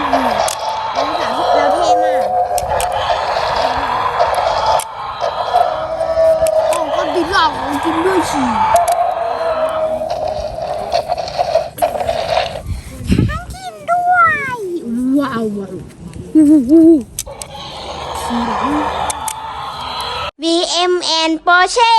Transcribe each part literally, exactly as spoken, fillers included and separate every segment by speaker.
Speaker 1: เราเราเท่มากโอ้ก็ดีหลอกจริงด้วยสิทั้งกินด้วยว้าวว้าว บี เอ็ม แอนด์ Porsche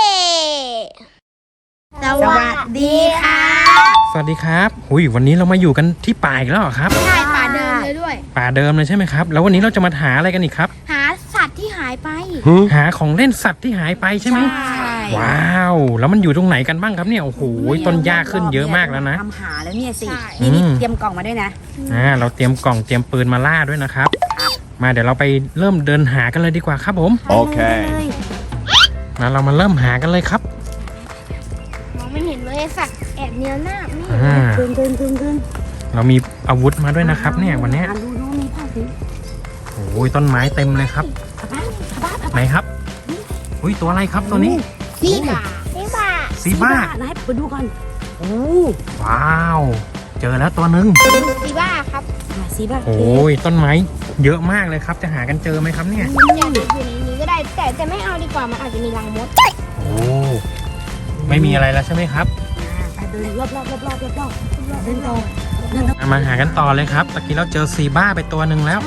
Speaker 1: สวัสดีค่ะ
Speaker 2: สวัสดีครับหุยวันนี้เรามาอยู่กันที่ป่าอีกแล้วเหรอครับ
Speaker 1: ใช่ป่าเดิมเลยด้วย
Speaker 2: ป่าเดิมเลยใช่ไหมครับแล้ววันนี้เราจะมาหาอะไรกันอีกครับ
Speaker 1: หาสัตว์ที่หายไป
Speaker 2: หาของเล่นสัตว์ที่หายไปใช่ไหมว้าวแล้วมันอยู่ตรงไหนกันบ้างครับเนี่ยโอ้โหต้นหญ้าขึ้นเยอะมากแล้วนะ
Speaker 3: ทำหาแล้วเนี่ยสินี่นี่เตรียมกล่องมาด้วยนะ
Speaker 2: อ่าเราเตรียมกล่องเตรียมปืนมาล่าด้วยนะครับมาเดี๋ยวเราไปเริ่มเดินหากันเลยดีกว่าครับผม
Speaker 3: โอเค
Speaker 2: แล้วเรามาเริ่มหากันเลยครับ
Speaker 1: มองไม่เห็นเลยสัตว์แอบเนียหน้านี่
Speaker 3: เดินเดินเดินเดิน
Speaker 2: เรามีอาวุธมาด้วยนะครับเนี่ยวันนี้
Speaker 3: ดูดูมีผ้าสี
Speaker 2: โอ้ยต้นไม้เต็มเลยครับไหนครับอุ้ยตัวอะไรครับตัวนี้
Speaker 1: ซีบ้าซีบ้า
Speaker 2: ซีบ้า
Speaker 3: ไหนไปดูก่อนโอ้
Speaker 2: ว้าวเจอแล้วตัวหนึ่ง
Speaker 1: ซีบ้าครับ
Speaker 3: ซีบ้า
Speaker 2: โอ้ยต้นไม้เยอะมากเลยครับจะหากันเจอไหมครับเนี่ย
Speaker 1: อยากอยู่ในนี้ก็ได้แต่แต่ไม่เอาดีกว่ามันอาจจะมีรังมด
Speaker 2: โอ้ไม่มีอะไรแล้วใช่ไหมครับ
Speaker 3: ไปเดินรอบรอบรอบรอบรอบรอบเดินต่อ
Speaker 2: มาหากันต่อเลยครับตะกี้เราเจอซีบ้าไปตัวหนึ่งแล้ว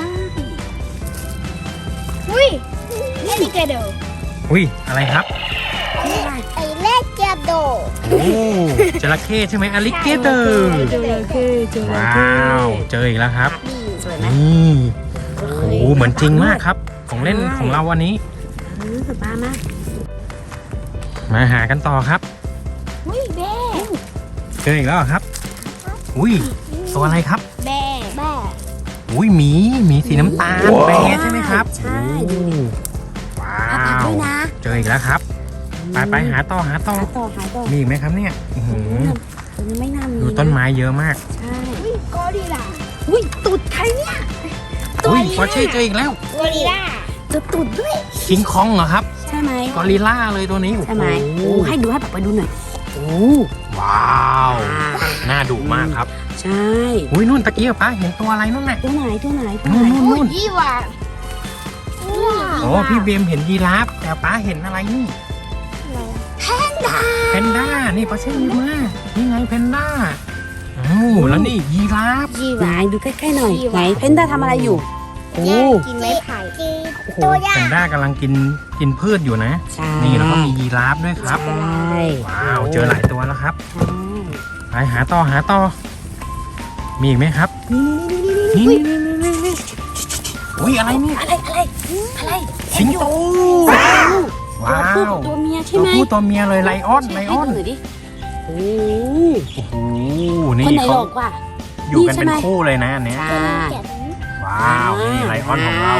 Speaker 1: อุ้ยเล่นเกโด
Speaker 2: อุ้ยอะไรครับ
Speaker 1: ไอเล่นเกโด
Speaker 2: โอ้จระเข้ใช่ไหมอลิเกเตอร์ว้าวเจออีกแล้วครับนี่โอ้เหมือนจริงมากครับของเล่นของเราวันนี้
Speaker 3: สบายมาก
Speaker 2: มาหากันต่อครับ
Speaker 1: อุ้ยแบ่
Speaker 2: เจออีกแล้วครับอุ้ยตัวอะไรครับ
Speaker 1: แบ่แบ่
Speaker 2: อุ้ยหมีหมีสีน้ำตาลแบ่ใช่ไหมครับ
Speaker 3: ใช่
Speaker 2: ว้าวเจออีกแล้วครับไปไปหาต่อหาต่อมีอีกไหมครับเนี่ย
Speaker 3: ตัวนี้ไม่น่ามี
Speaker 2: ดูต้นไม้เยอะมาก
Speaker 3: ใช่
Speaker 1: อุ้ยกอริลลา
Speaker 3: อุ้ยตูดใครเนี่ย
Speaker 2: อุ้ยพอเช่เจออีกแล้ว
Speaker 1: กอริลลา
Speaker 3: จะตูดด้วย
Speaker 2: คิงคองเหรอครับ
Speaker 3: ใช่ไหม
Speaker 2: กอริลลาเลยตัวนี้
Speaker 3: ใช่ไหมโอ้ให้ดูให้แบบไปดูหน่อย
Speaker 2: โอ้ว้าวน่าดุมากครับ
Speaker 3: ใช่
Speaker 2: อุ้ยนู่นตะกี้ป้าเห็นตัวอะไรนู่นน่ะ
Speaker 3: ตัวไหนตัวไหน
Speaker 2: นู่นนู่นนู่น
Speaker 1: ยี่หว่า
Speaker 2: โอ้พี่เบมเห็นยีราฟแต่ป้าเห็นอะไรนี่
Speaker 1: แพนด้า
Speaker 2: แพนด้านี่ป้าเช่ดูมานี่ไงแพนด้าโอ้แล้วนี่ยีราฟ
Speaker 3: ไหนดูใกล้ๆหน่อยไหนแพนด้าทำอะไรอยู่
Speaker 1: โอ้กินไม้ไผ่
Speaker 2: ตัวใหญ่แพนด้ากำลังกินกินพืชอยู่นะนี่แล้วก็มียีราฟด้วยครับว้าวเจอหลายตัวแล้วครับไปหาต่อหาต่อมีอีกไหมครับนี่นี่นี่นี่นี่อุ้ยอะไรนี่
Speaker 3: อะไรอะไรอะไร
Speaker 2: สิงโตว้าว
Speaker 3: ตัวเมียใช่ไหม
Speaker 2: ตัวผู้ตัวเมียเลยไลออนไลออน
Speaker 3: โอ้
Speaker 2: โหนี่เขาอยู่กันเป็นคู่เลยนะอันเนี้ยว้าวนี่ไลออนของเรา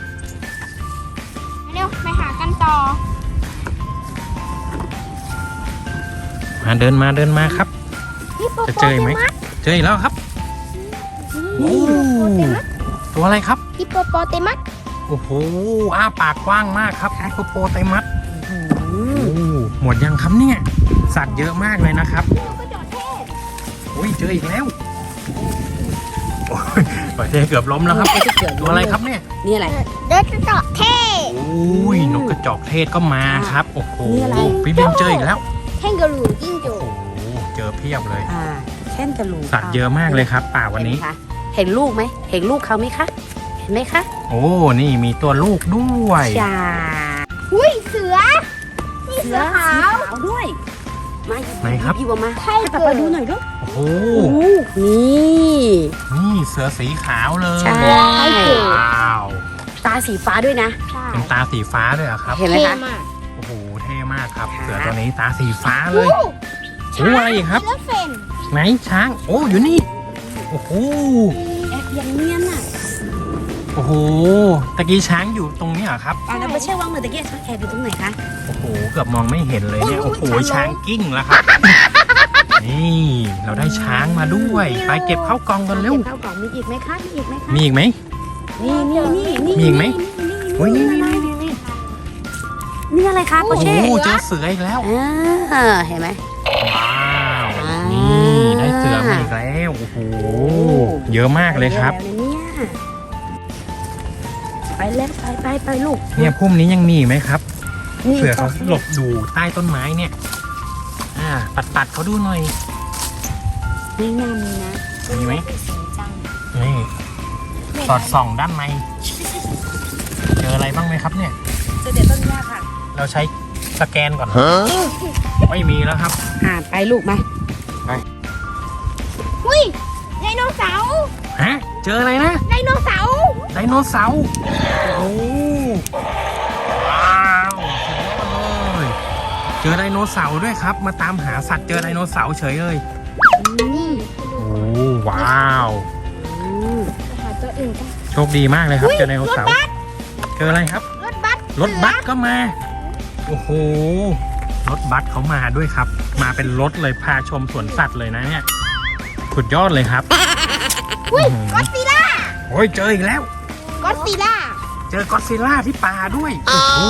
Speaker 1: เร็วไปหากันต่อ
Speaker 2: มาเดินมาเดินมาครับจะเจอไหมเจออีกแล้วครับตัวอะไรครับ
Speaker 1: ฮิปโปโปเตมัส
Speaker 2: โอ้โหอ้าปากกว้างมากครับฮิปโปโปเตมัสหมดยังครับเนี่ยสัตว์เยอะมากเลยนะครับอุ้ยเจออีกแล้วประเทศเกือบล้มแล้วครับตัวอะไรครับเนี่ย
Speaker 3: นี่อะไร
Speaker 1: นกกระจอกเทศ
Speaker 2: อุ้ยนกกระจอกเทศก็มาครับโอ้โหพี่เบมเจออีกแล้ว
Speaker 1: แท่งกระหลูจิ้งจก
Speaker 2: โอ้โหเจอเพียบเลย
Speaker 3: แท่งกระหลู
Speaker 2: สัตว์เยอะมากเลยครับป่าวันนี้
Speaker 3: เห็นลูกไหมเห็นลูกเขาไหมคะเห็นไหมคะ
Speaker 2: โอ้นี่มีตัวลูกด้วย
Speaker 3: จ้า
Speaker 1: อุ้ยเสือนี่เสือขาว
Speaker 3: ด้วยมา
Speaker 2: ไหนครับ
Speaker 3: พี่บัวมาให้ป้าไปดูหน่อยด้วย
Speaker 2: โอ้โห
Speaker 3: นี่
Speaker 2: นี่เสือสีขาวเลย
Speaker 3: ใช่
Speaker 2: ว้าว
Speaker 3: ตาสีฟ้าด้วยนะ
Speaker 2: เป็นตาสีฟ้าด้วยครับ
Speaker 3: เห็นไหมคะ
Speaker 2: โอ้โหเท่มากครับเสือตัวนี้ตาสีฟ้าเลยโอ้อะไรอีกครับไหนช้างโอ้อยู่นี่โอ้โห
Speaker 3: แอบยังเนียนอ่ะ
Speaker 2: โอ้โหตะกี้ช้างอยู่ตรงนี้เหรอครับ
Speaker 3: อ่าแล้วไม่ใช่ว่างเหมือนตะกี้ช้างแอบอยู่ตรงไหนคะ
Speaker 2: โอ้โหเกือบมองไม่เห็นเลยเนี่ยโอ้โหช้างกิ้งแล้วครับนี่เราได้ช้างมาด้วยไปเก็บเข้ากล่องกันเร็ว
Speaker 3: เข้ากล่องมีอีกไหมคะมีอีกไหมคะ
Speaker 2: มีอีกไหม
Speaker 3: นี่นี่นี่
Speaker 2: มีอีกไหมโอ้ยนี่นี่นี่นี่
Speaker 3: นี่อะไรคะโอ้โห
Speaker 2: เจอเสืออีกแล้ว
Speaker 3: เห็นไหม
Speaker 2: ว้าวนี่ได้เสือมาอีกแล้วโอ้โหเยอะมากเลยครับ
Speaker 3: ไปแล้วไปไปไปลูก
Speaker 2: เนี่ยพุ่มนี้ยังมีอีกไหมครับ
Speaker 3: นี่
Speaker 2: เผื่อเขาหลบอยู่ใต้ต้นไม้เนี่ย อ่า ปัดปัดๆเขาดูหน่อย
Speaker 3: นี่น่ามีนะ
Speaker 2: มีไหม
Speaker 3: สวยจัง
Speaker 2: นี่สอดส่องด้านใน เจออะไรบ้างไหมครับเนี่ย
Speaker 3: เจอเดี๋ยวต้นหญ้าค่ะ
Speaker 2: เราใช้สแกนก่อน ไม่มีแล้วครับ
Speaker 3: อ่าไปลูกมา
Speaker 1: อุ้ยไดโนเสาร์
Speaker 2: ฮะ เจออะไรนะ
Speaker 1: ไดโนเสาร์
Speaker 2: ไดโนเสาร์ โอ้ว้าวสุดยอดเลย เจอไดโนเสาร์ด้วยครับ มาตามหาสัตว์เจอไดโนเสาร์เฉยเลย
Speaker 1: นี่
Speaker 2: โอ้ว้าว
Speaker 3: อืม
Speaker 1: หาตัวอื่นกัน
Speaker 2: โชคดีมากเลยครับ เจอไดโนเสาร์ เจออะไรครับ
Speaker 1: รถบัส
Speaker 2: รถบัสก็มา โอ้โห รถบัสเขามาด้วยครับ มาเป็นรถเลยพาชมสวนสัตว์เลยนะเนี่ย สุดยอดเลยครับ
Speaker 1: อุ้ย
Speaker 2: อื้อหื
Speaker 1: ก็อ
Speaker 2: อ
Speaker 1: ดซิลล่า
Speaker 2: โอ้ยเจออีกแล้ว
Speaker 1: ก็อดซิลล่า
Speaker 2: เจอก็อดซิลล่าที่ป่าด้วย โอ้โห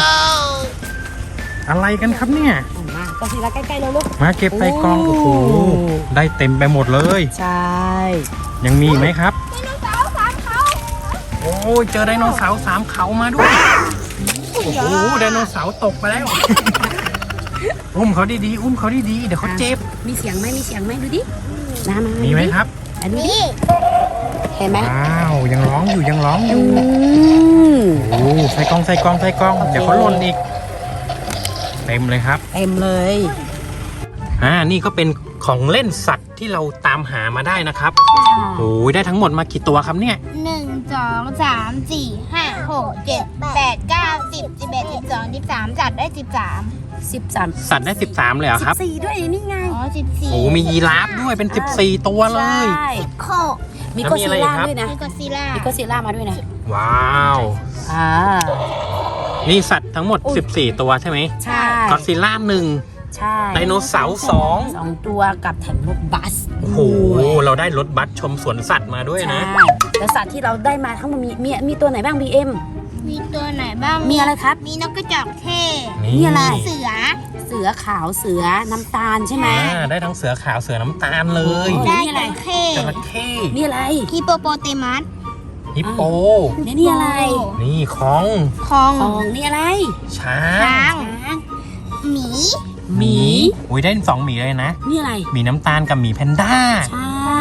Speaker 2: อะไรกันครับเนี่ย
Speaker 3: เอามาก็ทีละใกล้ๆแล้วลูก
Speaker 2: มาเก็บใส่กล่อง โอ้โห ได้เต็มไปหมดเลย
Speaker 3: ใช่
Speaker 2: ยังมีอีกไหมครับ
Speaker 1: ไดโนเสาร์สามเขา
Speaker 2: โอ้ยเจอไดโนเสาร์สามเขามาด้วย โอ้โห ไดโนเสาร์ตกไปแล้ว อุ้มเขาดีๆ อุ้มเขาดีๆ เดี๋ยวเขาเจ็บ
Speaker 3: มีเสียงไหมมีเสียงไหมดูดิน้ำมา
Speaker 2: มีไหมครับ
Speaker 3: อันนี้
Speaker 1: นี่
Speaker 3: เห็นไหม
Speaker 2: ว้าว ยังร้องอยู่ ยังร้องอ
Speaker 3: อื
Speaker 2: ยู่
Speaker 3: ม
Speaker 2: โอ้ใส่กล่องใส่กล่องใส่กล่อง
Speaker 3: โอเค
Speaker 2: เดี๋ยวเขาหล่นอีก เต็มเลยครับ
Speaker 3: เต็มเลย
Speaker 2: อ่า นี่ก็เป็นของเล่นสัตว์ที่เราตามหามาได้นะครับ โอ้ยได้ทั้งหมดมากี่ตัวครับเนี่ย
Speaker 1: หนึ่งสองสามสี่ห้าหกเจ็ดแปดเก้าสิบสิบเอ็ดสิบสองสิบสามจัดได้สิบสาม
Speaker 3: สิบสาม
Speaker 2: สัตว์ได้สิบสามเลยเหรอครับ
Speaker 3: สี่ด้วยนี่ไง
Speaker 1: อ๋อสิบสี่
Speaker 2: โอ้มียีราฟด้วยเป็นสิบสี่ตัวเลย
Speaker 3: ใช่
Speaker 1: โค
Speaker 3: มี
Speaker 2: แล้ว
Speaker 3: ก็
Speaker 2: มี
Speaker 3: ซิ
Speaker 2: อะไร
Speaker 3: ล่า
Speaker 2: ครับ
Speaker 3: ด้วยนะ
Speaker 1: มีก็อดซิลล่า
Speaker 3: มีก็ซิล่ามาด้วยนะ
Speaker 2: ว้าว
Speaker 3: อ่า
Speaker 2: นี่สัตว์ทั้งหมด สิบสี่ ตัวใช่ไหม
Speaker 3: ใช่
Speaker 2: ก็อดซิลล่าหนึ่ง
Speaker 3: ใช่
Speaker 2: ไดโนเสาร์สอง
Speaker 3: สองตัวกับแถมรถบัส
Speaker 2: โอ้โห เราได้รถบัสชมสวนสัตว์มาด้วยนะ
Speaker 3: ใช่แล้วสัตว์ที่เราได้มาทั้งหมดมีมีมีตัวไหนบ้าง บี เอ็ม
Speaker 1: มีตัวไหนบ้าง
Speaker 3: มีอะไรครับ
Speaker 1: มีนกกระจอกเทศ
Speaker 3: นี่อะไร
Speaker 1: เสือ
Speaker 3: เสือขาวเสือน้ำตาลใช่ไหม
Speaker 2: อ่าได้ทั้งเสือขาวเสือน้ำตาลเลย
Speaker 3: โอ้
Speaker 1: ได้
Speaker 3: นี่อะไร
Speaker 1: จระเข้
Speaker 2: จระเข้
Speaker 3: นี่อะไร
Speaker 1: ฮิปโปโปเตมัส
Speaker 2: ฮิปโป
Speaker 3: นี่นี่อะไร
Speaker 2: นี่ของ
Speaker 1: คอง
Speaker 3: ทองนี่อะไร
Speaker 2: ช้า
Speaker 1: ช้าง
Speaker 3: ช้าง
Speaker 1: หมี
Speaker 2: หมีอุ้ยได้สองหมีเลยนะ
Speaker 3: นี่อะไร
Speaker 2: หมีน้ำตาลกับหมีแพนด้า
Speaker 3: ใช่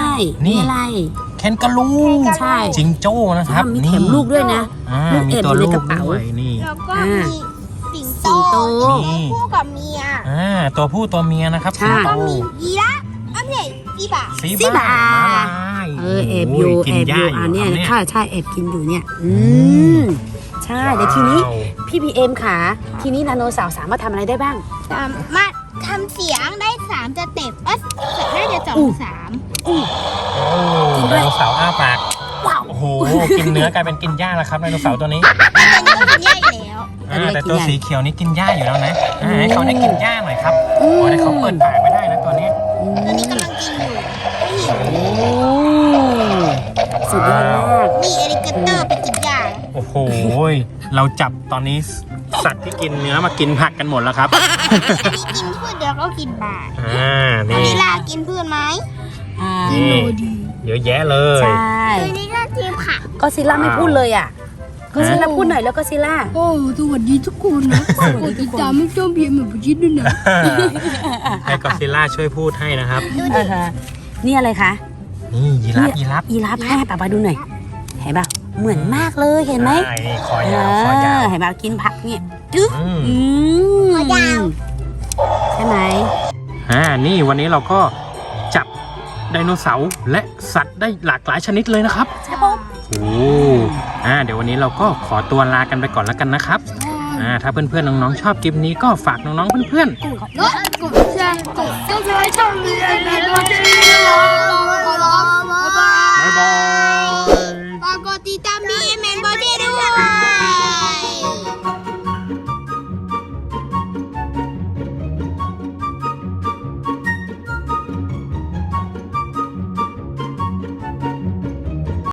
Speaker 2: นี่
Speaker 3: นี่อะไร
Speaker 2: แคนการู
Speaker 3: ใช่
Speaker 2: จิงโจ้นะครับ
Speaker 3: มี
Speaker 2: นี่
Speaker 3: เข็มลูกด้วยนะ
Speaker 2: อ่า
Speaker 3: ลูก
Speaker 2: มี
Speaker 3: เอ็ด
Speaker 2: ตัว
Speaker 3: อยู่
Speaker 2: ลู
Speaker 3: ใน
Speaker 2: ก
Speaker 3: กระเป๋า
Speaker 2: ด้วยนี่
Speaker 1: แล้วก็
Speaker 3: อ่า
Speaker 1: มีสิงโต
Speaker 3: สิงโต
Speaker 2: นี่
Speaker 1: คู่กับเมีย
Speaker 2: อ่าตัวผู้ตัวเมียนะครับ
Speaker 3: ใช่
Speaker 2: สิงโต
Speaker 1: ก็มียีราฟอันนี้จีบะ
Speaker 2: สี
Speaker 3: สีบา
Speaker 2: ม้าลาย
Speaker 3: เออแอบอยู่
Speaker 2: โกิ
Speaker 3: แอน บ
Speaker 2: ห
Speaker 3: อ
Speaker 2: ญ้า
Speaker 3: ยู่
Speaker 2: อยู่
Speaker 3: อันเนี้ย
Speaker 2: ครับเนี่ย
Speaker 3: ใช่ใช่แอบกินอยู่เนี่ย อืมใช่เดี๋ยวทีนี้
Speaker 2: ว้าว
Speaker 3: พี่บีเอ็มค่ะ ทีนี้นาโนเสาร์สามารถทำอะไรได้บ้าง
Speaker 1: สามารถทำเสียงได้สามสเต็ปเอ้ยน่าจะสอง
Speaker 3: อู้
Speaker 1: สาม
Speaker 2: โอ้ไดโนเสาร์อ้าปาก
Speaker 3: ว้าว
Speaker 2: โอ้โห กินเนื้อกลายเป็นกินหญ้าแล้วครับไดโนเสาร์ตัวนี้
Speaker 1: อันนี้ก็กินยากอยู่แล้ว
Speaker 2: อ่า
Speaker 3: อันนี้
Speaker 2: แต่
Speaker 3: กิน
Speaker 2: ตัว
Speaker 3: หญ้า
Speaker 2: สีเขียวนี่กินหญ้าอยู่แล้วนะอ่าให้เขาได้กินหญ้าหน่อยครับ
Speaker 3: อืม
Speaker 2: โอ้แต่เขาเปิดปากไม่ได้นะตัวนี้
Speaker 1: ตัวนี้กำลังกินอยู่นี่
Speaker 3: โอ้สุดยอดมาก
Speaker 1: มีเอลิเกเตอร์ไปกินยา
Speaker 2: โอ้โห เราจับตอนนี้สัตว์ที่กินเนื้อมากินผักกันหมดแล้วครับ
Speaker 1: อันนี้กินพืชเดี๋ยวก็กินบา
Speaker 2: อ่า
Speaker 1: ตัว
Speaker 2: นี่
Speaker 1: นี้ล่ะกินพืชไหม
Speaker 3: อ่า
Speaker 2: นี่เยอะแยะเลย
Speaker 3: ใช่
Speaker 1: ตัวนี้ก็กินผัก
Speaker 3: ก็ซิล่าไม่พูดเลยอ่ะก็ซิล่าพูดหน่อยแล้วก็ซิล่า
Speaker 4: โอ้สวัสดีทุกคนนะกดติดตามไม่ต้องเบียร์เหมือนพี่ชิดด้วยนะ
Speaker 2: ให้กอซิลล่าช่วยพูดให้นะครับ
Speaker 3: อ่าฮะนี่อะไรคะ
Speaker 2: นี่ยีราฟยีราฟ
Speaker 3: ยีราฟให้ป้าป้าดูหน่อยเห็นป่ะเหมือนมากเลยเห็นไหม
Speaker 2: ใช่นี่คอยาวคอยาว
Speaker 3: เออเห็นป่ะกินผักเนี่ยจึ๊ก
Speaker 2: อืม
Speaker 3: อืมใช่ไหม
Speaker 2: อ่า นี่วันนี้เราก็จับไดโนเสาร์และสัตว์ได้หลากหลายชนิดเลยนะครับ
Speaker 3: ใช่ปะ
Speaker 2: โอ้อ่า เดี๋ยววันนี้เราก็ขอตัวลากันไปก่อนแล้วกันนะครับ อ่า ถ้าเพื่อนๆน้องๆชอบคลิปนี้ก็ฝากน้องๆเพื่อน
Speaker 1: กดกดแชร์กดซับสไครต์ช่องนี้ในตัวจริงรอรอรอรอบ๊ายบาย
Speaker 2: ๆบ๊ายบาย
Speaker 1: ฝากกดติดตามบีเอ็มเอ็นบอ